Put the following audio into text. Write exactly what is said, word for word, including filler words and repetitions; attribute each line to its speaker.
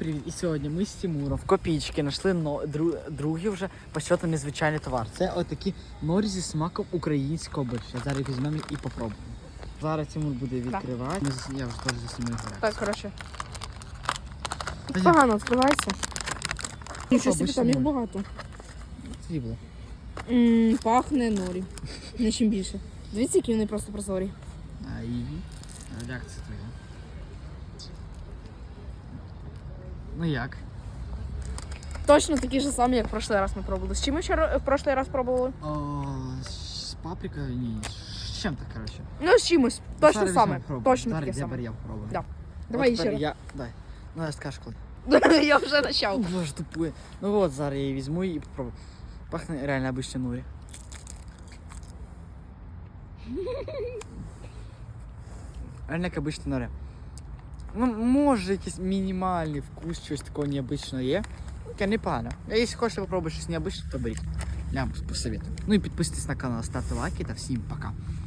Speaker 1: привіт! І сьогодні ми з Тимуром в Копійчики знайшли но... дру... другий вже по счету незвичайний товар. Це отакі норі зі смаком українського борща. Зараз візьмемо і попробуємо. Зараз Тимур буде відкривати. Ми зас... Я вже теж заснімаю.
Speaker 2: Так, коротше. Погано відкривається. Нічого собі, там їх багато.
Speaker 1: Срібло.
Speaker 2: Ммм, пахне норі. Не чим більше. Дивіться, які вони просто прозорі.
Speaker 1: А і реакція твоя. Ну як?
Speaker 2: Точно такі ж самі, як в прошлий раз ми пробували. З чим ми ще в прошлий раз пробували?
Speaker 1: О, з паприкою, ні, з чим-то, коротше.
Speaker 2: Ну, з чимось. Точно
Speaker 1: Зараз
Speaker 2: саме.
Speaker 1: візьмемо,
Speaker 2: Точно
Speaker 1: Зараз
Speaker 2: таке
Speaker 1: я
Speaker 2: саме.
Speaker 1: я попробую.
Speaker 2: Да. Давай
Speaker 1: От
Speaker 2: ще раз.
Speaker 1: тепер я... Дай. Ну, я скажу коли.
Speaker 2: Я вже почав.
Speaker 1: Боже, тупує. Ну от, зараз я її візьму і попробую. Пахне реально обичне нурі. Реально як обичне нурі. Ну, може якийсь мінімальний вкус, щось такого необычного є. Таке непогано. А якщо хочете попробувати щось необычне, то беріть. Я вам посоветую. Ну і підписуйтесь на канал, ставте лайки та всім пока.